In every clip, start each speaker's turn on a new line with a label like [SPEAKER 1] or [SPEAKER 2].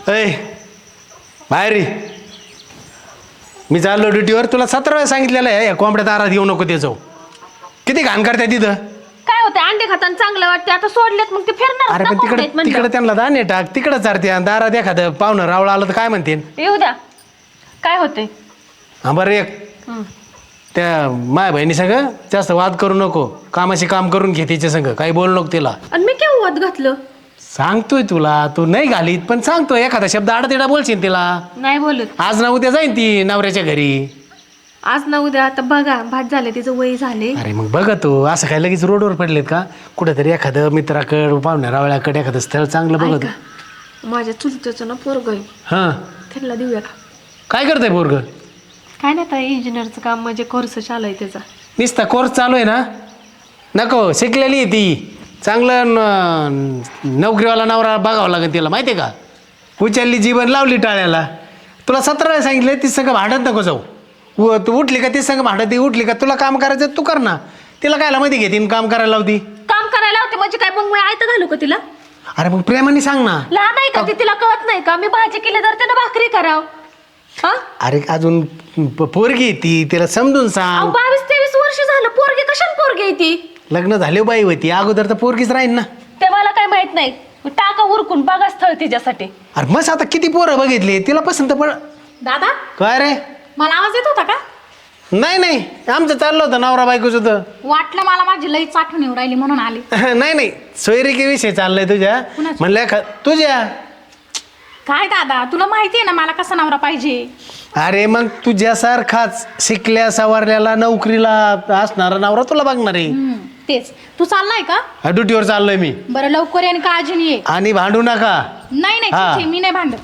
[SPEAKER 1] अय बाहेर ये. मी चाललो ड्युटीवर. तुला 17 वेळा सांगितलेलं आहे कोंबड्या दारात येऊ नको ते जाऊ. किती घाण करताय तिथं.
[SPEAKER 2] काय होते अंडे खाताना चांगलं वाटते आता सोडलेत मग ते फिरणार.
[SPEAKER 1] अरे पण तिकडे त्यांना दाणे टाक. तिकडे चारते दारात एखादं पाहुणं रावळा आलं तर काय म्हणते.
[SPEAKER 2] येऊ द्या. काय होते.
[SPEAKER 1] हा बरं एक त्या माय बहिणी सगळं जास्त वाद करू नको. कामाशी काम करून घे तिच्या संग. काही बोलू नको तिला.
[SPEAKER 2] आणि मी केव्हा वाद घातलं.
[SPEAKER 1] सांगतोय तुला. तू नाही घालीत पण सांगतोय. एखादा शब्द आडतिडा बोलशील तिला.
[SPEAKER 2] नाही बोलत.
[SPEAKER 1] आज ना उद्या जाईन ती नवऱ्याच्या घरी.
[SPEAKER 2] आज ना उद्या आता बघा भात झाले तिचं वय झाले.
[SPEAKER 1] अरे मग बघ तू असं काय लगेच रोडवर पडलेत का. कुठेतरी एखादं मित्राकडं पाहुण्या रावळ्याकडे एखादं स्थळ चांगलं बघत.
[SPEAKER 2] माझ्या चुलत्याचं ना पोरग आहे.
[SPEAKER 1] हां
[SPEAKER 2] त्यांना देऊया का.
[SPEAKER 1] काय करतंय पोरग.
[SPEAKER 2] काय नाही आता इंजिनियरचं काम म्हणजे कोर्स चालू आहे त्याचा.
[SPEAKER 1] नुसता कोर्स चालू आहे ना. नको शिकलेली आहे ती. चांगलं नोकरीवाला नवरा बघावं लागेल तिला माहिती आहे का. उचलली जीवन लावली टाळ्याला. तुला 17 वेळा सांगितलं ती संग भांडत नको जाऊ. तू उठली का ती संग भांडत. ती उठली का तुला काम करायचं तू कर ना. तिला कायला माहिती घेते काम करायला लावती.
[SPEAKER 2] काम करायला होते म्हणजे काय मग मी आयत घालू का तिला.
[SPEAKER 1] अरे मग प्रेमाने सांग ना.
[SPEAKER 2] लहान आहे का ती तिला कळत नाही का. मी भाजी केली तर त्यानं भाकरी कराव.
[SPEAKER 1] अरे अजून पोरगी ती तिला समजून सांग.
[SPEAKER 2] 22-23 वर्ष झालं पोरगी कशाला पोरगी आहे ती.
[SPEAKER 1] लग्न झाले बाई होती अगोदर तर पोरगीच राहील ना.
[SPEAKER 2] ते मला काय माहित नाही. टाका उरकून बघा स्थळ तिच्यासाठी.
[SPEAKER 1] अरे मग आता किती पोरं बघितले तिला पसंत पड.
[SPEAKER 2] दादा
[SPEAKER 1] काय रे.
[SPEAKER 2] मला आवाज येत होता का.
[SPEAKER 1] नाही आमचं चाललं होतं नवरा बायकोच होतं.
[SPEAKER 2] वाटलं मला माझी लई आठवण येऊ राहिली म्हणून आली.
[SPEAKER 1] नाही सोयरिके विषय चाललाय तुझ्या. म्हणलं तुझ्या.
[SPEAKER 2] काय दादा तुला माहिती आहे ना मला कसा नवरा पाहिजे.
[SPEAKER 1] अरे मग तुझ्यासारखाच शिकल्या सवारल्याला नोकरीला असणारा नवरा तुला बघणार आहे.
[SPEAKER 2] तेच तू चाललाय का.
[SPEAKER 1] ड्युटीवर चाललोय मी.
[SPEAKER 2] बरं लवकर आणि काळजी ये.
[SPEAKER 1] आणि भांडू नका.
[SPEAKER 2] नाही मी नाही भांडत.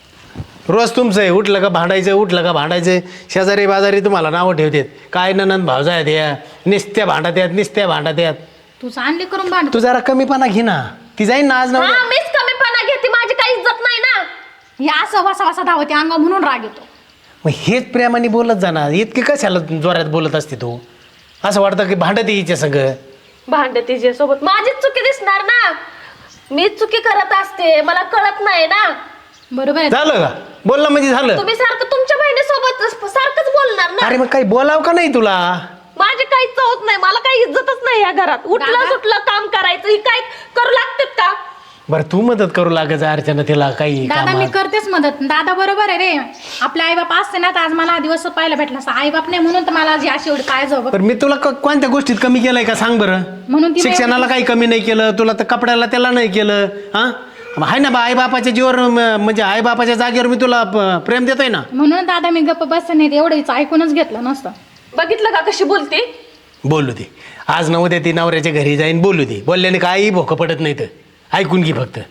[SPEAKER 1] रोज तुमचं आहे. उठलं का भांडायचं. शेजारी बाजारी तुम्हाला नावं ठेवतात. काय ननंद भावजा आहेत या. निस्त्या भांडत यात.
[SPEAKER 2] तू चांगली करून भांड.
[SPEAKER 1] तू जरा कमीपणा घे ना. ती जाईन ना आज ना.
[SPEAKER 2] मीच कमीपणा घेते. माझी काही इज्जत नाही ना. या असं वासा धावते अंगा म्हणून राग येतो.
[SPEAKER 1] मग हेच प्रेमाने बोलत जाणार. इतके कशाला जोरात बोलत असते तू. असं वाटतं की भांडत हिच्या सगळं.
[SPEAKER 2] भांडत तिच्या सोबत माझीच चुकी दिसणार ना. मीच चुकी करत असते. मला कळत नाही ना. बरोबर
[SPEAKER 1] झालं का बोलणं म्हणजे झालं.
[SPEAKER 2] तुम्ही सारखं तुमच्या बहिणीसोबत सारखंच बोलणार ना.
[SPEAKER 1] अरे मग काही बोलाव का नाही तुला.
[SPEAKER 2] माझी काही चौथ नाही. मला काही इज्जतच नाही या घरात. उठलं सुटलं काम करायचं ही काय करू लागतात का.
[SPEAKER 1] बरं तू मदत करू लागायचं अर्चना तिला काही.
[SPEAKER 3] दादा मी करतेच मदत. दादा बरोबर आहे रे. आपले आई बाप असते ना तर आज मला दिवस पाहायला भेटला असता. आई बाप नाही म्हणून तर मला अशी एवढी काय जाऊ.
[SPEAKER 1] पण मी तुला कोणत्या गोष्टीत कमी केलंय का सांग बरं.
[SPEAKER 3] म्हणून
[SPEAKER 1] शिक्षणाला काही कमी नाही केलं. तुला तर कपड्याला त्याला नाही केलं. हा आहे ना आई बापाच्या जीवर म्हणजे आई बापाच्या जागेवर मी तुला प्रेम देतोय ना.
[SPEAKER 3] म्हणून दादा मी गप्प बस नाही एवढंच ऐकूनच घेतलं नसतं.
[SPEAKER 2] बघितलं का कशी बोलते.
[SPEAKER 1] बोलू दे. आज न उद्या ती नवऱ्याच्या घरी जाईन बोलू दे. बोलल्याने काही भोकं पडत नाही तर ऐकून घे फक्त.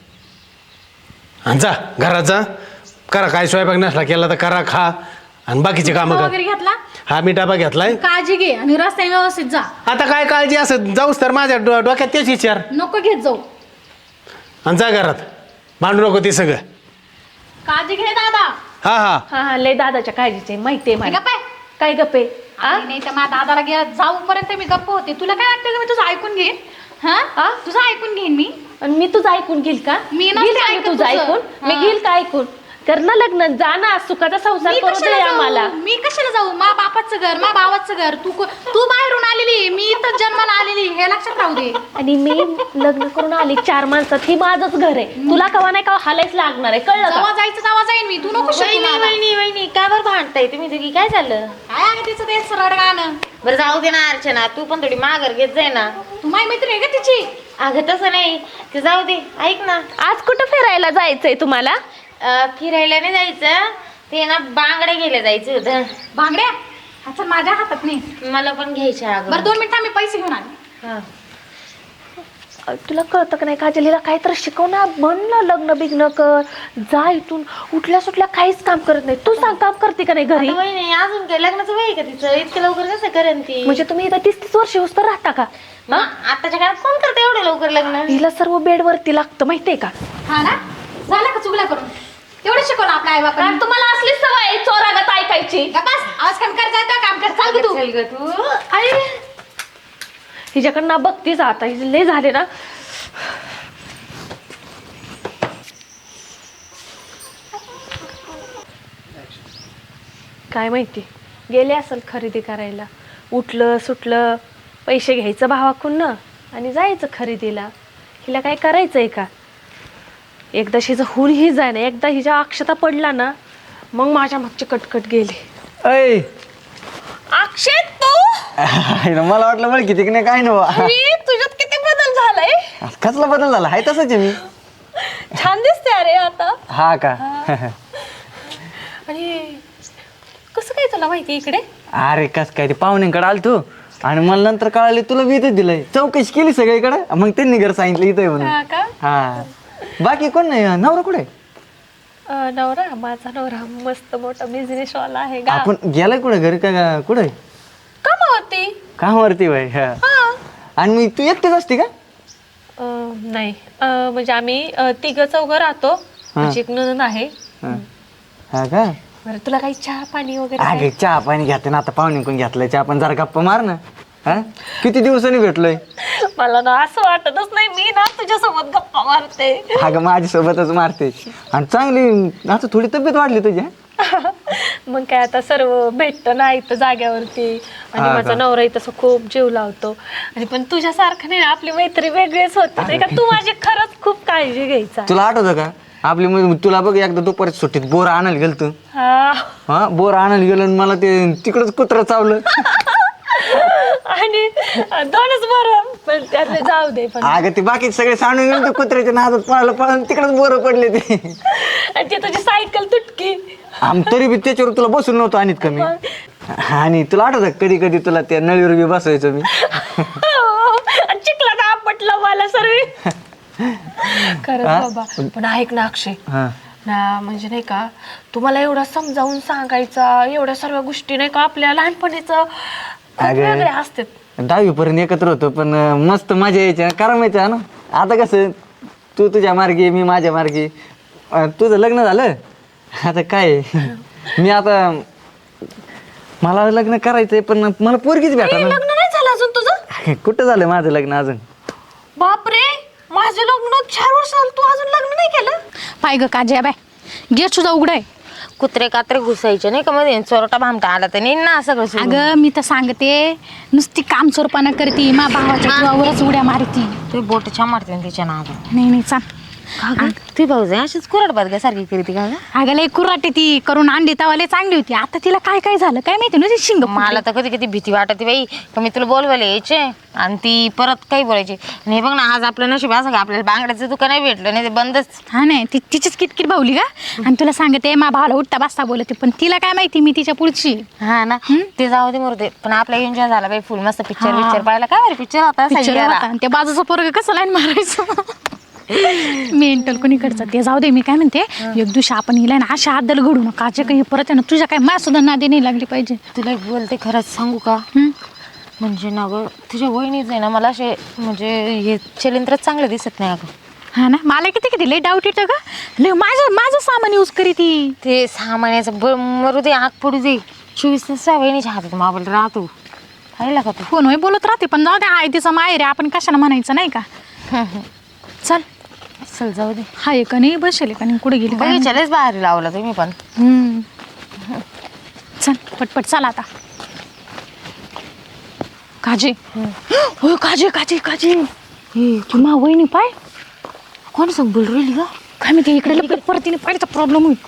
[SPEAKER 1] आणि जा घरात जा. करा काय स्वयंपाक नसला केला तर करा खा. आणि बाकीचे कामं कर.
[SPEAKER 3] वगैरे घेतला.
[SPEAKER 1] हा मी डबा घेतलाय.
[SPEAKER 3] काळजी घे आणि रस्त्याने व्यवस्थित जा.
[SPEAKER 1] आता काय काळजी असं जाऊस तर माझ्या डोक्यात तेच विचार.
[SPEAKER 3] नको घेत जाऊ.
[SPEAKER 1] आणि जा घरात. भांडू नको ते सगळं.
[SPEAKER 3] काळजी घे दादा.
[SPEAKER 1] हा
[SPEAKER 2] लय दादाच्या काळजीचे माहितीये मला.
[SPEAKER 3] गप्प आहे.
[SPEAKER 2] काय गप्पे.
[SPEAKER 3] नाही तर माझ्या दादाला घ्या जाऊपर्यंत मी गप्प होते. तुला काय वाटतं मी तुझं ऐकून घेईन. हा तुझं ऐकून घेईन मी.
[SPEAKER 2] आणि मी तुझं ऐकून घेईल का.
[SPEAKER 3] मी
[SPEAKER 2] घेईल का
[SPEAKER 3] ऐकत
[SPEAKER 2] तुझं
[SPEAKER 3] तुझं.
[SPEAKER 2] ऐकून. मी घेईल का ऐकून. कर ना लग्न. जा ना सुखाचा संसार करू दे आम्हाला.
[SPEAKER 3] मी कशाला जाऊ. मा बापाचं घर मा भावाचं घर. तू बाहेरून आलेली मी इथं जन्माला आलेली हे लक्षात राहू दे.
[SPEAKER 2] आणि मी लग्न करून आली 4 माणसात. ही माझंच घर आहे. तुला कवा नाही का हालायच लागणार आहे. कळलं का.
[SPEAKER 3] जेव्हा जायचं तेव्हा जाईन मी. तू नको शिकू मला.
[SPEAKER 2] वहिनी काय बरं भांडताय तुम्ही दोघी. काय झालं.
[SPEAKER 3] काय आहे तिचं ते सरळ गाणं.
[SPEAKER 4] बरं जाऊ दे ना अर्चना. तू पण थोडी माघार घेत जाय ना.
[SPEAKER 3] तू माझी मैत्रीण आहे का तिची.
[SPEAKER 4] अगं तसं नाही ते जाऊ दे. ऐक ना
[SPEAKER 2] आज कुठं फिरायला जायचंय तुम्हाला.
[SPEAKER 4] फिरायला नाही जायचं. ते ना बांगडे गेले जायचं होतं.
[SPEAKER 3] भांगड्या अच्छा माझ्या हातात नाही.
[SPEAKER 4] मला पण घ्यायच्या अगं.
[SPEAKER 3] बरं 2 मिनिटं मी पैसे घेऊन आले.
[SPEAKER 4] हा.
[SPEAKER 2] तुला कळतं का नाही काजलीला काहीतरी शिकव ना. म्हण ना लग्न बिग्न कर. जा इथून. उठल्या सुटल्या काहीच काम करत नाही. तू सांग काम करते का नाही घरी.
[SPEAKER 4] आता वय नाही अजून काय लग्नाचं वय आहे का तिचं. इतकं लवकर कसं करेन ती.
[SPEAKER 2] म्हणजे तुम्ही इथं 30-30 वर्ष होस तर राहता का.
[SPEAKER 4] आताच्या काळात कोण करतं एवढं लवकर लग्न.
[SPEAKER 2] तिला सर्व बेडवरती लागतं माहितीये का.
[SPEAKER 3] हा ना झालं का चुगल्या करून. तेवढं शिकवलं आपल्या आई बापाने.
[SPEAKER 2] तुम्हाला असली सवय चोरागत ऐकायची.
[SPEAKER 3] बस आवाज कमी कर. जायचं काम कर. चाल तू.
[SPEAKER 4] चल ग तू.
[SPEAKER 2] हिच्याकडनं बघतीच आता. हिचे लय झाले ना. काय माहिती गेले असेल खरेदी करायला. उठलं सुटलं पैसे घ्यायचं भावाकडून ना आणि जायचं खरेदीला. हिला काय करायचंय का? एकदा हिचं होऊन ही जाय ना, एकदा हिच्या अक्षता पडला ना मग माझ्या मागची कटकट गेली.
[SPEAKER 5] ऐ
[SPEAKER 2] अक्षय तू
[SPEAKER 5] मला वाटलं बरं किती नाही काय नव्हा.
[SPEAKER 2] तुझ्यात किती बदल झालाय.
[SPEAKER 5] कसला बदल झाला आहे तसंच आहे मी.
[SPEAKER 2] छान दिसते अरे आता.
[SPEAKER 5] हा का?
[SPEAKER 2] आणि कसं काय तुला माहिती इकडे?
[SPEAKER 5] अरे कस काय ते पाहुण्यांकडे आल तू आणि मला नंतर कळाले तुला मी इथंच दिलंय. चौकशी केली सगळीकडे मग त्यांनी घर सांगितलं इथं आहे म्हणून.
[SPEAKER 2] हा का?
[SPEAKER 5] हा बाकी कोण नाही. नवरा कुठे?
[SPEAKER 2] नवरा माझा नवरा मस्त मोठा बिझनेस वाला आहे का?
[SPEAKER 5] आपण गेलाय कुठे घरी का कुठे?
[SPEAKER 2] कमावती.
[SPEAKER 5] कामावरती बाई. हा आणि मी तू एकटेच असते का?
[SPEAKER 2] नाही म्हणजे आम्ही तिघं चौघं राहतो. माझी एक नणंद आहे.
[SPEAKER 5] हा का?
[SPEAKER 2] बरं तुला काही चहा पाणी वगैरे
[SPEAKER 5] अगे चहा पाणी घेते ना आता पाहुणे कोण घेतलंय चहा पण जरा गप्पा मार ना. हा किती दिवसांनी भेटलोय.
[SPEAKER 2] मला ना असं वाटतच नाही मी ना तुझ्यासोबत गप्पा मारते.
[SPEAKER 5] अगं माझ्यासोबतच मारते आणि चांगली आता थोडी तब्येत वाढली तुझी.
[SPEAKER 2] मग काय आता सर्व भेटतं ना इथं जाग्यावरती. आणि
[SPEAKER 5] हा
[SPEAKER 2] माझा
[SPEAKER 5] का?
[SPEAKER 2] नवरा तसं खूप जीव लावतो. आणि पण तुझ्यासारखं नाही ना, आपली मैत्री वेगळीच होती नाही का? तू माझी खरंच खूप काळजी घ्यायचा.
[SPEAKER 5] तुला आठवतं का आपली तुला बघ एकदा दुपारी सुट्टीत बोर आणायला गेलो तू.
[SPEAKER 2] हा
[SPEAKER 5] हा बोर आणायला गेलो आणि मला ते तिकडच कुत्रं चावलं.
[SPEAKER 2] आणि दोनच बरं पण त्यातले जाऊ दे. पण
[SPEAKER 5] अगं ते बाकी सगळे सांडून गेले ते कुत्र्याच्या नादात पळालं पळून तिकडच बोर पडले ते.
[SPEAKER 2] आणि ते तुझी सायकल तुटकी.
[SPEAKER 5] तरी बी त्याच्यावर तुला बसून नव्हतं आणत कमी. आणि तुला आठवतं कधी कधी तुला त्या नळीवर बी बसवायचो मी.
[SPEAKER 2] आणि चिखलात आपटलं मला सर्व. खरंच बाबा. पण ऐक ना अक्षय
[SPEAKER 5] हा
[SPEAKER 2] ना, म्हणजे नाही का तुम्हाला एवढं समजावून सांगायचा एवढ्या सर्व गोष्टी नाही का आपल्या लहानपणीचं खूप
[SPEAKER 5] अगं.
[SPEAKER 2] वेगळे असतात.
[SPEAKER 5] 10वी पर्यंत एकत्र होतो पण मस्त मजा यायची करायचं ना. आता कसं तू तुझ्या मार्गी मी माझ्या मार्गी. तुझं लग्न झालं आता काय मी आता मला लग्न करायचंय पण मला पोरगीच भेटा ना.
[SPEAKER 2] लग्न नाही झालं अजून तुझं?
[SPEAKER 5] कुठं झालं माझं लग्न अजून?
[SPEAKER 2] बापरे माझं लग्न 4 वर्ष झालं तू अजून लग्न नाही केलं?
[SPEAKER 3] पाय ग काजया बाय गेट सुद्धा उघडाय.
[SPEAKER 4] कुत्रे कात्रे घुसायचे नाही का मध्ये चोरटा भामटा आला तर नाही ना सगळं सोडून.
[SPEAKER 3] अगं मी तर सांगते नुसती काम चोरपणा करती मा भावाच्या जीवावरच उड्या मारती.
[SPEAKER 4] ते बोट छान मारते ना तिच्या नावात.
[SPEAKER 3] नाही नाही चाल.
[SPEAKER 4] ती भाऊजाई अशीच कुरड सारखी करते का ग?
[SPEAKER 3] अगं लय कुराटे ती करून अंडी तवाले चांगली होती. आता तिला काय काय झालं काय माहिती ना. शिंग
[SPEAKER 4] मला तर कधी कधी भीती वाटते बाई का मी तुला बोलवायला यायचे आणि ती परत काही बोलायची. आणि हे बघ ना आज आपलं नशीब असं का आपल्याला बांगड्याचं दुकान नाही भेटलं नाही ते बंदच.
[SPEAKER 3] हा नाही ती तिचीच किटकिट भावली का. आणि तुला सांगते मा भावाला उठता बसता बोलते पण तिला काय माहिती मी तिच्या पुढची.
[SPEAKER 4] हा ना ते जाऊ दे मरते पण आपला एन्जॉय झाला बाई फुल मस्त पिक्चर पिक्चर पाहिला काय बरं पिक्चर होता
[SPEAKER 3] पिक्चर
[SPEAKER 4] सह्याद्रा.
[SPEAKER 3] होता आणि त्या बाजूचा पोरग कसं लाईन मारायचं. मेंटल कोणीकडचं ते जाऊ दे. मी काय म्हणते एक दिवशी आपण हिला ना अशा आदल घडू नका जे काही परत आहे ना तुझ्या काय मा सुद्धा नादी नाही लागली पाहिजे.
[SPEAKER 4] तुला एक बोलते खरंच सांगू का म्हणजे ना गं तुझ्या वहिनीच आहे ना मला असे म्हणजे हे चलिंत्रच चांगलं दिसत नाही अगं.
[SPEAKER 3] हा ना मला किती किती लय डाऊट येतं का. लय माझं माझं सामान यूज करी ती.
[SPEAKER 4] ते 6 महिन्याचं मरू दे आग पडू दे 24 तास वहिनीच्या हातात मोबाईल राहतो पाहिला का तू.
[SPEAKER 3] फोन होय बोलत राहते पण जाऊ दे आहे तिचं माहेर आहे आपण कशाला म्हणायचं नाही का. चल
[SPEAKER 4] चल जाऊ दे.
[SPEAKER 3] हाय का नाही बसेल का नाही कुठे गेली काय माहिती.
[SPEAKER 4] बघितलेच बाहेर लावला तुम्ही पण.
[SPEAKER 3] चल पटपट चल आता. काजी हो काजी काजी काजी तुम्हा वहिनी पाय
[SPEAKER 4] कोण सांग बोल राहिली का
[SPEAKER 3] काय माहिती इकडे लगेच परतीने पाहिजे प्रॉब्लेम होईल.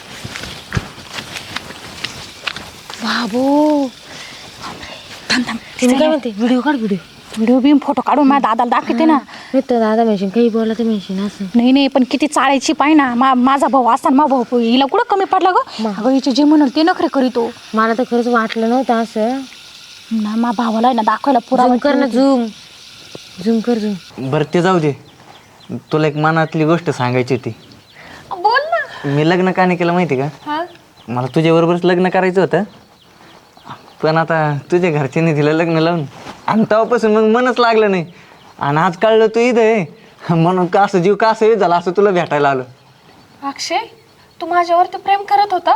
[SPEAKER 3] बाबो थांब थांब
[SPEAKER 4] तुम्ही काय म्हणते व्हिडिओ काढ व्हिडिओ
[SPEAKER 3] व्हिडिओ बिम फोटो काढून माझ्या दादाला दाखवते ना.
[SPEAKER 4] मी तर दादा म्हणशील काही बोला तर म्हणशील असं.
[SPEAKER 3] नाही नाही पण किती चाळायची पाय ना माझा भाऊ असताना मा भाऊ हिला कुठं कमी पडला गं. अगं हिचे जे म्हणाल ते नखरे करीतो.
[SPEAKER 4] मला तर खरंच वाटलं नव्हतं असं
[SPEAKER 3] ना मा भावाला ना दाखवायला पुरा
[SPEAKER 4] झूम कर ना झूम झूम कर झूम.
[SPEAKER 5] बरं ते जाऊ दे. तुला एक मनातली गोष्ट सांगायची होती.
[SPEAKER 2] बोल ना.
[SPEAKER 5] मी लग्न का नाही केलं माहिती का. मला तुझ्याबरोबरच लग्न करायचं होतं पण आता तुझ्या घरच्यांनी दिलं लग्न लावून आणि तेव्हापासून मग मनच लागलं नाही. आणि आज कळलं तू इथं आहे म्हणून का असं जीव का असं झाला असं तुला भेटायला आलो.
[SPEAKER 2] अक्षय तू माझ्यावरती प्रेम करत होता?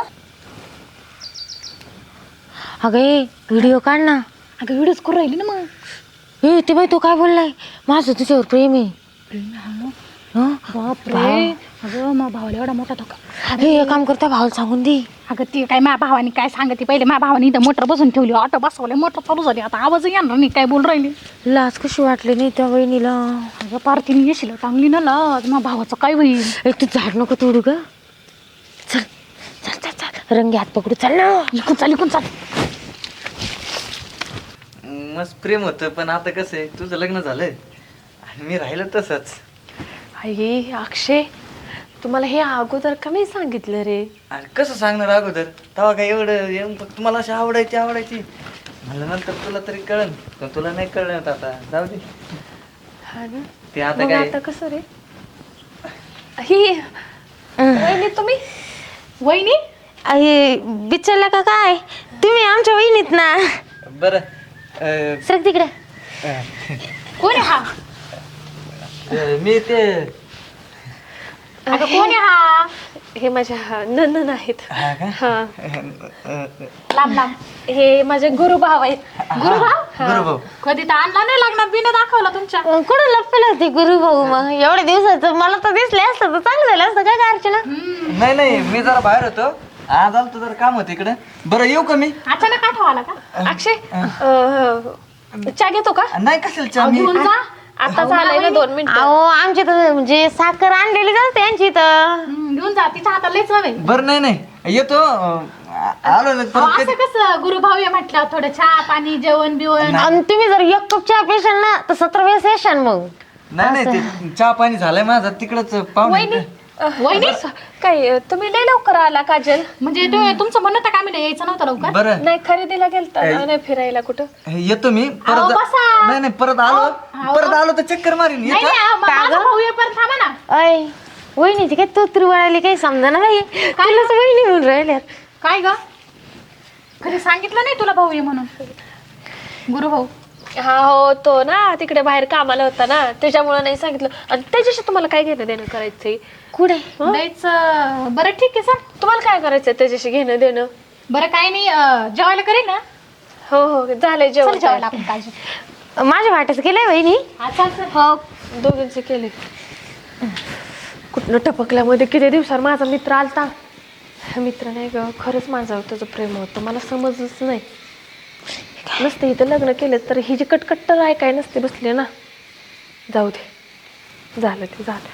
[SPEAKER 4] अगं ए व्हिडिओ काढ ना.
[SPEAKER 3] अगं व्हिडिओच करू राहिली ना मग.
[SPEAKER 4] ए ते बाई तू काय बोललाय माझं तुझ्यावर प्रेम आहे. हं?
[SPEAKER 3] बापरे अगं मग भावाला एवढा मोठा धोका.
[SPEAKER 4] हे एक काम करता भावाला सांगून दे.
[SPEAKER 3] अगं ती काय माझ्या भावानी काय सांगते पहिले माझ्या भावानी इथं मोटर बसून ठेवली ऑटो बसवले मोटर चालू झाली आता आवाज येणार नाही काय बोल राहिली.
[SPEAKER 4] लाज कशी वाटली नाही त्या वहिनीला.
[SPEAKER 3] अगं पार तिने येशील चांगली ना लाज माझ्या भावाचं काय होईल.
[SPEAKER 4] एक तू झाड नको तोडू ग. चल चल चल चल रंगी हात पकडू चल ना.
[SPEAKER 3] इकून चाल
[SPEAKER 5] मस्त प्रेम होतं पण आता कसं आहे तुझं लग्न झालं आणि मी राहिलं तसंच.
[SPEAKER 2] आई अक्षय तुम्हाला हे अगोदर का नाही सांगितलं रे?
[SPEAKER 5] आणि कसं सांगणार अगोदर तेव्हा काय एवढं येऊन फक्त मला अशी आवडायची म्हणलं नंतर तुला तरी कळन पण तुला नाही कळलं आता जाऊ दे.
[SPEAKER 2] हा ना
[SPEAKER 5] ते आता
[SPEAKER 2] मग
[SPEAKER 5] काय
[SPEAKER 2] आता कसं रे? ही वहिनी तुम्ही
[SPEAKER 3] वहिनी
[SPEAKER 4] अरे बिचारला का काय तुम्ही आमच्या वहिनीत ना.
[SPEAKER 5] बरं
[SPEAKER 4] सर तिकडे.
[SPEAKER 3] कोण आहे हा
[SPEAKER 5] मी ते
[SPEAKER 3] अगं कोण आहे हा
[SPEAKER 2] हे माझ्या नंदन आहेत.
[SPEAKER 5] हा का?
[SPEAKER 2] हा
[SPEAKER 3] लांब
[SPEAKER 2] हे माझे गुरुभाव आहेत.
[SPEAKER 5] गुरुभाऊ
[SPEAKER 3] कधी तर आणला नाही लग्नात बिना दाखवला तुमच्या.
[SPEAKER 4] कुठं लपलं होते गुरु भाऊ मग एवढ्या दिवसाचं मला तर दिसले असतं तर चांगलं झालं असतं काय अर्चना.
[SPEAKER 5] नाही मी जरा बाहेर होतो आज आलो जरा काम होतं इकडे. बरं येऊ का मी?
[SPEAKER 3] अचानक आठवा आला का?
[SPEAKER 2] अक्षय चहा घेतो का?
[SPEAKER 5] नाही कशाला चहा मी
[SPEAKER 3] घेऊन जा
[SPEAKER 2] आता झालंय ना 2 मिनिटं.
[SPEAKER 4] अहो आमची तर म्हणजे साखर आणलेली असते यांची तर.
[SPEAKER 3] घेऊन जा तिच्या हाताला लयच हवे.
[SPEAKER 5] बरं नाही येतो आलो ना परत
[SPEAKER 3] असं कसं गुरुभाऊ आहे म्हटलं थोडं चहा पाणी जेवण बिवण.
[SPEAKER 4] आणि तुम्ही जर एक कप चहा पेशाल ना तर 17 वेळेस येशाल मग.
[SPEAKER 5] नाही ते चहा पाणी झालंय माझा तिकडच पाहुणे.
[SPEAKER 3] वहिनी
[SPEAKER 2] काय तुम्ही लय लवकर आला काजल?
[SPEAKER 3] म्हणजे तुमचं म्हणणं तर काय म्हणजे यायचं नव्हतं लवकर.
[SPEAKER 5] बरं
[SPEAKER 2] नाही खरेदीला गेलता नाही फिरायला कुठं?
[SPEAKER 5] येतो मी
[SPEAKER 3] अहो,
[SPEAKER 5] परत
[SPEAKER 3] बसा.
[SPEAKER 5] नाही परत आलो तर चक्कर मारीन
[SPEAKER 3] नाही
[SPEAKER 5] येतो.
[SPEAKER 3] नाही, मग माझा भाऊ येईपर्यंत थांबा ना.
[SPEAKER 4] अय वहिनीची काय तोत्री वळाली काही समजा ना बाई. कालच वहिनी म्हणून राहिल्यात.
[SPEAKER 3] काय ग कधी सांगितलं नाही तुला भाऊ ये म्हणून? गुरुभाऊ
[SPEAKER 2] हा हो तो ना तिकडे बाहेर कामाला होता ना त्याच्यामुळे नाही सांगितलं. आणि त्याच्याशी तुम्हाला काय घेणं देणं करायचंय?
[SPEAKER 4] कुठे
[SPEAKER 3] लयच बरं ठीक आहे सर.
[SPEAKER 2] तुम्हाला काय करायचंय त्याच्याशी घेणं देणं?
[SPEAKER 3] बरं काय नाही जेवायला करेल ना.
[SPEAKER 2] हो झालंय
[SPEAKER 3] चल
[SPEAKER 2] जेवण.
[SPEAKER 3] जेवायला आपण काळजी.
[SPEAKER 4] माझ्या वाट्याचं केलंय वहिनी.
[SPEAKER 3] हा चाल सर.
[SPEAKER 2] हो दोघींचे केले. कुठनं टपकल्यामध्ये किती दिवसावर माझा मित्र आलता. मित्र नाही ग खरंच माझं तुझं प्रेम होतं मला समजलंच नाही. नसते इथं लग्न केलं तर ही जी कटकट तर ऐकाय नसते बसले ना. जाऊ दे झालं ते झालं.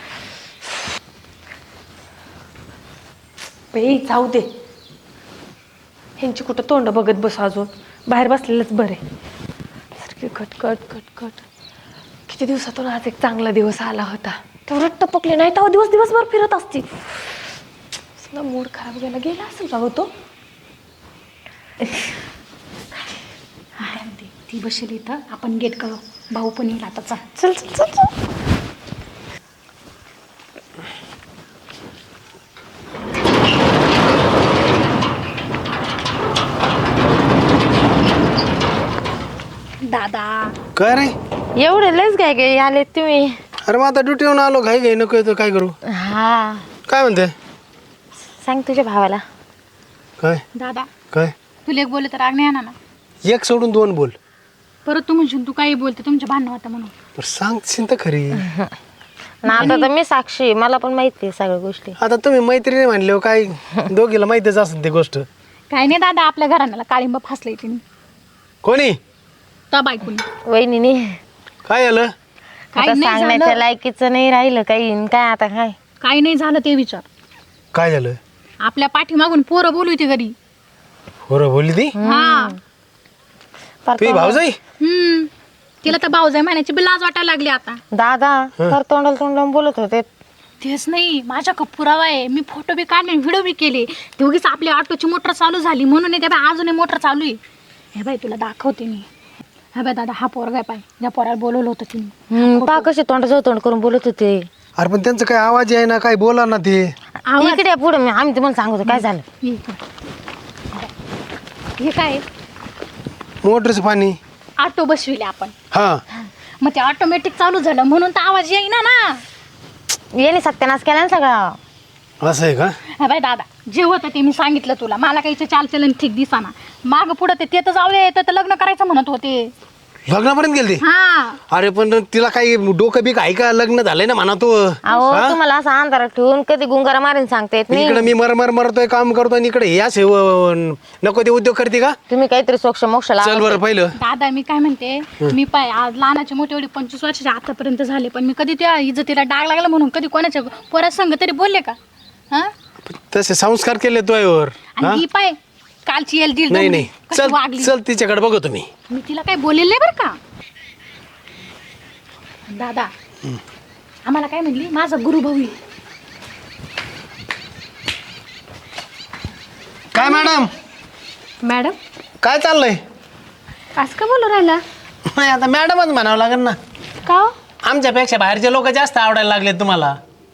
[SPEAKER 2] बाई जाऊ दे ह्यांची कुठं तोंड बघत बस अजून बाहेर बसलेलंच बरे. सारखी कटकट किती दिवसातून आज एक चांगला दिवस आला होता. तेवढं टपकले नाही तेव्हा दिवसभर फिरत असते. मूड खराब गेला असेल राव तो.
[SPEAKER 3] ती बसेल इथं आपण गेट करू. भाऊ पण येईल आता.
[SPEAKER 2] चल चल चल चल.
[SPEAKER 3] दादा
[SPEAKER 1] काय रे?
[SPEAKER 4] एवढे लयच काय काय आले तुम्ही.
[SPEAKER 1] अरे मग आता ड्युटीवरून आलो घाई नको येतो काय करू?
[SPEAKER 4] हा
[SPEAKER 1] काय म्हणते?
[SPEAKER 4] सांग तुझ्या भावाला.
[SPEAKER 1] काय
[SPEAKER 3] दादा
[SPEAKER 1] काय
[SPEAKER 3] तुला एक बोलले तर राग नाही येणार ना.
[SPEAKER 1] एक सोडून 2 बोल.
[SPEAKER 3] परत तू म्हणशील तू काही बोलते तुमच्या भांडणं होतं म्हणून.
[SPEAKER 1] बरं सांगशील तर खरी.
[SPEAKER 4] ना आता तर मी साक्षी आहे, मला पण माहिती आहे सगळ्या गोष्टी.
[SPEAKER 1] आता तुम्ही मैत्रिणी म्हणले हो काय दोघीला माहितीच असेल ती गोष्ट.
[SPEAKER 3] काय नाही दादा आपल्या घराण्याला काळिंब फासलंय तिने
[SPEAKER 1] कोणी?
[SPEAKER 3] त्या बायकोनी.
[SPEAKER 4] वहिनीने
[SPEAKER 1] काय झालं?
[SPEAKER 3] काही
[SPEAKER 4] आता
[SPEAKER 3] नाही
[SPEAKER 4] सांगण्याच्या
[SPEAKER 3] झालं.
[SPEAKER 4] लायकीचं नाही राहिलं काही. काय आता काय
[SPEAKER 3] काही नाही झालं ते विचार.
[SPEAKER 1] काय झालं?
[SPEAKER 3] आपल्या पाठीमागून पोरं बोलू ती घरी.
[SPEAKER 1] बरं बोलली ती
[SPEAKER 3] हा
[SPEAKER 1] तुझी भाऊजाई?
[SPEAKER 3] तिला तर भाऊजाई महिन्याची बी लाज वाटायला लागली आता.
[SPEAKER 4] दादा तर तोंडाला बोलत होते.
[SPEAKER 3] तेच नाही माझ्या पुरावा आहे. मी फोटो बी काढले व्हिडिओ बी केले. दोघीच आपल्या ऑटोची मोटर चालू झाली म्हणून ते बाय अजूनही मोटर चालू आहे. हे बाई तुला दाखवते मी. हे बाय दादा हा पोरगा आहे पाय ज्या पोराला बोलवलं होतं तिने.
[SPEAKER 4] पा कसे तोंडाजवळ तोंड करून बोलत होते.
[SPEAKER 1] अरे पण त्यांचं काय आवाज आहे ना काय बोला ना ते.
[SPEAKER 4] इकडे पुढे आम्ही तुम्हाला सांगतो काय झालं.
[SPEAKER 3] हे काय
[SPEAKER 1] मोटरचं पाणी.
[SPEAKER 3] ऑटो बसविले आपण.
[SPEAKER 1] हा
[SPEAKER 3] मग ते ऑटोमॅटिक चालू झालं म्हणून तर आवाज येईना ना.
[SPEAKER 4] येणे सत्यानाश केला ना सगळा.
[SPEAKER 1] असं आहे का?
[SPEAKER 3] हा बाय दादा जे होतं ते मी सांगितलं तुला. मला काही चालचलन ठीक दिसाना. माग पुढं ते तर जाऊ येतं तर लग्न करायचं म्हणत होते.
[SPEAKER 1] लग्नापर्यंत गेलते?
[SPEAKER 3] हा
[SPEAKER 1] अरे पण तिला काही डोकं बिक आहे का? लग्न झालंय ना म्हणा तो.
[SPEAKER 4] अहो तुम्हाला असं अंधारात ठेवून कधी गुंगारा मारून सांगता येत नाही.
[SPEAKER 1] इकडे मी मरतोय काम करतोय आणि इकडे या नको ते उद्योग करते का?
[SPEAKER 4] तुम्ही काहीतरी सोक्ष मोक्ष लावा.
[SPEAKER 1] चल बरं पहिलं.
[SPEAKER 3] दादा मी काय म्हणते, मी पाय आज लहानाचे मोठे एवढे 25 वर्षाचे आतापर्यंत झाले, पण मी कधी त्या इज्जतीला डाग लागला म्हणून कधी कोणाच्या पोरात संग तरी बोलले का? हा
[SPEAKER 1] तसे संस्कार केले तुझ्यावर.
[SPEAKER 3] आणि ही पाय कालची येल दीड
[SPEAKER 1] नाही
[SPEAKER 3] दोन
[SPEAKER 1] नाही
[SPEAKER 3] कशी
[SPEAKER 1] चल
[SPEAKER 3] वागली.
[SPEAKER 1] चल तिच्याकडे बघू तुम्ही.
[SPEAKER 3] मी तिला काही बोललेलं नाही बरं का. दादा आम्हाला काय म्हणली, माझा गुरुभाऊ आहे.
[SPEAKER 1] काय मॅडम
[SPEAKER 2] मॅडम
[SPEAKER 1] काय चाललंय?
[SPEAKER 2] असं का बोलू राहिला?
[SPEAKER 1] नाही आता मॅडमच म्हणावं लागेल ना.
[SPEAKER 2] का हो?
[SPEAKER 1] आमच्यापेक्षा बाहेरचे लोक जास्त आवडायला लागले तुम्हाला.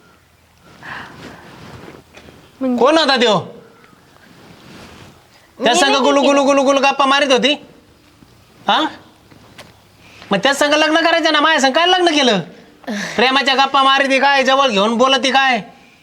[SPEAKER 2] म्हणजे?
[SPEAKER 1] कोण होता त्यो? त्या संग गुलू गुलू गुलू गुलू गप्पा मारित होती. हा मग त्या संग लग्न करायचं ना. माझ्या संग काय लग्न केलं? प्रेमाच्या गप्पा मारिती काय, जवळ घेऊन बोलती काय,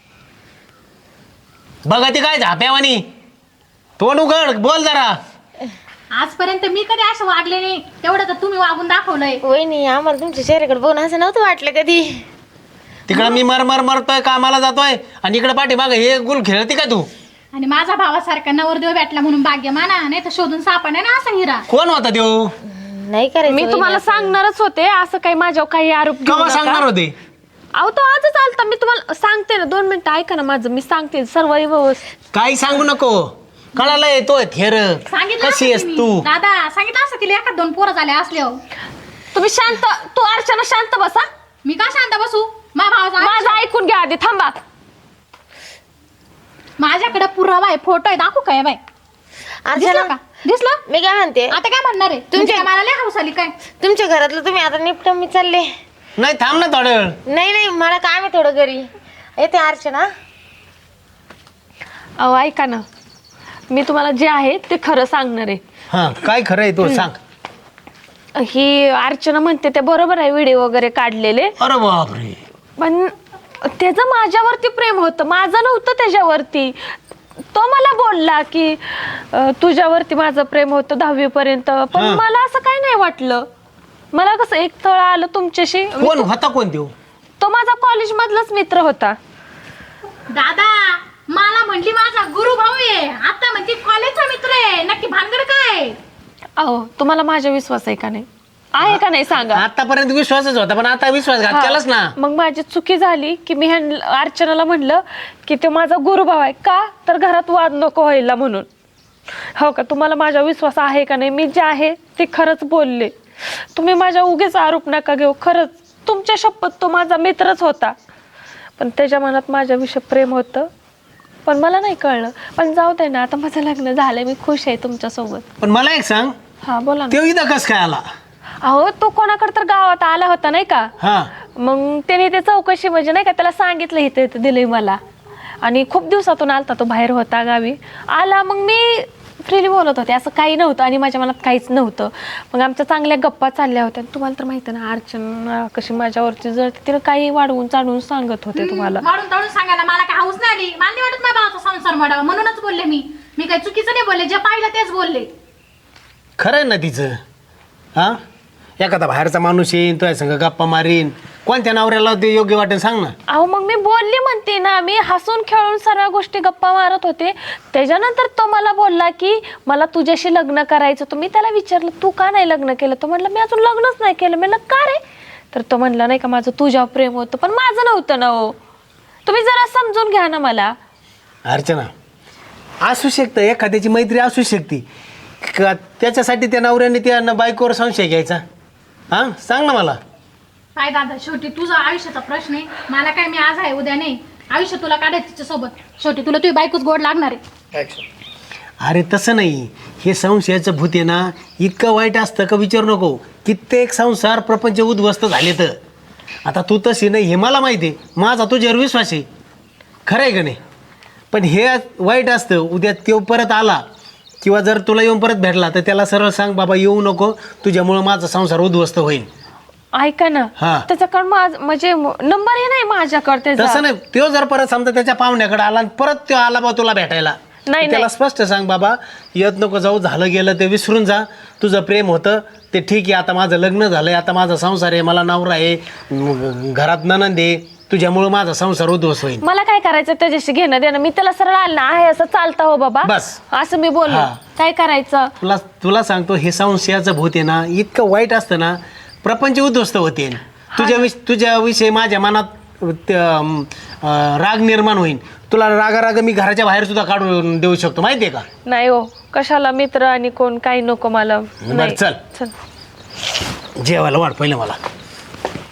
[SPEAKER 1] बघती काय झाप्यावानी. तोंड उघड बोल जरा.
[SPEAKER 3] आजपर्यंत मी कधी असं वागले नाही, तेवढं तर तुम्ही वागून दाखवलंय.
[SPEAKER 4] वहिनी आम्हाला तुमच्या चेहऱ्याकडे बघून असं नव्हतं वाटलं कधी.
[SPEAKER 1] तिकडं मी मरतोय कामाला जातोय आणि इकडे पाठीमागं हे गुल खेळती का तू?
[SPEAKER 3] आणि माझा भावासारखा नवरदेव भेटला म्हणून भाग्य माना, नाही तर शोधून सापडा ना असा हिरा.
[SPEAKER 1] कोण होता त्यो?
[SPEAKER 4] नाही करायचं
[SPEAKER 2] मी तुम्हाला सांगणारच होते, असं काही माझ्यावर काही आरोप घेऊ
[SPEAKER 1] केव्हा
[SPEAKER 2] नका.
[SPEAKER 1] सांगणार होते?
[SPEAKER 2] अहो तो आजच आलता. मी तुम्हाला सांगते ना, 2 मिनिटं ऐका ना माझं, मी सांगते सर्व व्यवस्थित.
[SPEAKER 1] काही सांगू नको. कळायला येतोय थेर.
[SPEAKER 3] सांगितलं
[SPEAKER 1] कशी
[SPEAKER 3] असतं
[SPEAKER 1] आहेस
[SPEAKER 3] तिने.
[SPEAKER 1] तू?
[SPEAKER 3] दादा सांगितलं असतं तिला, एखाद 2 पोरं झाले असल्यावर.
[SPEAKER 2] तुम्ही शांत, तू अर्चना शांत बसा.
[SPEAKER 3] मी का शांत बसू? भावाचा
[SPEAKER 2] माझं ऐकून घ्या आधी, थांबा.
[SPEAKER 3] माझ्याकडे पुरावा आहे, फोटो आहे, दाखवू काय बाय? दिसलं का? दिसलं?
[SPEAKER 4] मी काय म्हणते,
[SPEAKER 3] आता काय म्हणणार आहे तुमच्या मला लय हौस आली काय?
[SPEAKER 4] तुमच्या घरातलं तुम्ही आता निपटून मी चालले.
[SPEAKER 1] नाही थांब ना थोडा वेळ.
[SPEAKER 4] नाही मला काम आहे थोडं घरी. येते अर्चना.
[SPEAKER 2] अहो ऐका ना, मी तुम्हाला जे आहे ते खरं सांगणार आहे.
[SPEAKER 1] हा काय खरं आहे तो सांग.
[SPEAKER 2] ही अर्चना म्हणते ते बरोबर आहे, व्हिडिओ वगैरे काढलेले,
[SPEAKER 1] अरे बापरे.
[SPEAKER 2] पण त्याचं माझ्यावरती प्रेम होतं, माझं नव्हतं त्याच्यावरती. तो मला बोलला की तुझ्यावरती माझं प्रेम होतं 10वी पर्यंत, पण
[SPEAKER 1] हा.
[SPEAKER 2] मला असं काही नाही वाटलं. मला कसं एक तळ आलं तुमच्याशी.
[SPEAKER 1] कोण होता कोण त्यो?
[SPEAKER 2] तो माझा कॉलेज मधलाच मित्र होता.
[SPEAKER 3] दादा मला म्हटली माझा गुरु भाऊ आहे, आता म्हणते कॉलेजचा मित्र आहे. नक्की भानगड काय?
[SPEAKER 2] अहो तुम्हाला माझा विश्वास आहे का नाही? आहे का नाही सांगा.
[SPEAKER 1] आतापर्यंत विश्वासच होता पण आता विश्वासघात
[SPEAKER 2] हा.
[SPEAKER 1] केलाच ना.
[SPEAKER 2] मग माझी चुकी झाली की मी अर्चनाला म्हणलं की ते माझा गुरुभाव आहे. का तर घरात वाद नको व्हायला म्हणून. हो का, तुम्हाला माझा विश्वास आहे का नाही? मी जे आहे ते खरंच बोलले. तुम्ही माझ्या उगेच आरोप नका घेऊ. खरंच तुमच्या शपथ तो माझा मित्रच होता, पण त्याच्या मनात माझ्याविषयी प्रेम होतं, पण मला नाही कळलं. पण जाऊ दे ना, आता माझं लग्न झालंय, मी खुश आहे तुमच्यासोबत.
[SPEAKER 1] पण मला एक सांग,
[SPEAKER 2] हा बोला ना.
[SPEAKER 1] त्यो इथं कस काय आला?
[SPEAKER 2] अहो तो कोणाकडे तर गावात आला होता नाही का,
[SPEAKER 1] हा
[SPEAKER 2] मग त्याने ते चौकशी म्हणजे नाही का त्याला सांगितलं इथे दिलंय मला, आणि खूप दिवसातून आलता तो, बाहेर होता गावी. आला मग मी फ्रीली बोलत होते, असं काही नव्हतं आणि माझ्या मनात काहीच नव्हतं. मग आमच्या चांगल्या गप्पा चालल्या होत्या. तुम्हाला तर माहिती ना अर्चना कशी माझ्यावरती जळते, तिला काही वाढवून चाढवून सांगत होते तुम्हाला.
[SPEAKER 3] वाढून तळून सांगायला मला काय हौस नाही आली. मला नाही वाटत माझ्या भावाचा संसार मोडावा, म्हणूनच बोलले मी. मी काही चुकीचं नाही बोलले, जे पाहिलं तेच बोलले.
[SPEAKER 1] खरं आहे ना तिचं. हा एखादा बाहेरचा माणूस येईन तो संग गप्पा मारीन, कोणत्या नवऱ्याला ते योग्य वाटेल सांग ना.
[SPEAKER 2] अहो मग मी बोलली म्हणते ना, मी हसून खेळून सर्व गोष्टी गप्पा मारत होते. त्याच्यानंतर तो मला बोलला की मला तुझ्याशी लग्न करायचं. तर मी त्याला विचारलं तू का नाही लग्न केलं? तो म्हणला मी अजून लग्नच नाही केलं. म्हणलं का रे? तर तो म्हणला नाही का माझं तुझ्यावर प्रेम होतं, पण माझं नव्हतं ना. हो तुम्ही जरा समजून घ्या ना मला.
[SPEAKER 1] अर्चना असू शकतं, एखाद्याची मैत्री असू शकते का त्याच्यासाठी त्या नवऱ्याने त्या बायकोवर संशय घ्यायचा? हा सांग ना मला.
[SPEAKER 3] काय दादा, शेवटी तुझा आयुष्याचा प्रश्न आहे. मला काय, मी आज आहे उद्या नाही. आयुष्य तुला काढायचं तिच्यासोबत. शेवटी तुला तुझी बायकोच गोड लागणार आहे.
[SPEAKER 1] अरे तसं नाही, हे संशयाचं भूत आहे ना, इतकं वाईट असतं का विचारू नको. कित्येक संसार प्रपंच उद्ध्वस्त झाले. तर आता तू तशी नाही हे मला माहिती आहे, माझा तुझ्यावर विश्वास आहे. खरं आहे का नाही? पण हे वाईट असतं. उद्या तो परत आला किंवा जर तुला येऊन परत भेटला तर त्याला सरळ सांग बाबा येऊ नको, तुझ्यामुळं माझा संसार उद्ध्वस्त होईल.
[SPEAKER 2] ऐका ना,
[SPEAKER 1] हा.
[SPEAKER 2] त्याच्याकडे म्हणजे नंबरही नाही माझ्याकडे त्याचा.
[SPEAKER 1] तसं नाही, तो जर परत समजा त्याच्या पाहुण्याकडे आला आणि परत तो आला बा तुला भेटायला,
[SPEAKER 2] नाही,
[SPEAKER 1] त्याला स्पष्ट सांग बाबा येत नको जाऊ, झालं गेलं ते विसरून जा, तुझं प्रेम होतं ते ठीक आहे, आता माझं लग्न झालंय, आता माझा संसार आहे, मला नवरा आहे, घरात ननंद आहे, तुझ्यामुळं माझा संसार उद्ध्वस्त होईल.
[SPEAKER 2] मला काय करायचं त्याच्याशी घेणं देणं? मी त्याला सरळ आलं ना आहे असं चालतं हो बाबा,
[SPEAKER 1] बस.
[SPEAKER 2] असं मी बोललो.
[SPEAKER 1] हा.
[SPEAKER 2] काय करायचं?
[SPEAKER 1] तुला सांगतो, हे संशयाचं भूत आहे ना, इतकं वाईट असतं ना, प्रपंच उद्ध्वस्त होते. तुझ्याविषयी माझ्या मनात राग निर्माण होईल. तुला राग मी घराच्या बाहेर सुद्धा काढून देऊ शकतो, माहितीये का?
[SPEAKER 2] नाही हो, कशाला मित्र आणि कोण काही नको मला.
[SPEAKER 1] बरं,
[SPEAKER 2] नाही.
[SPEAKER 1] चल.
[SPEAKER 2] चल
[SPEAKER 1] जेवायला वाढ पहिलं मला.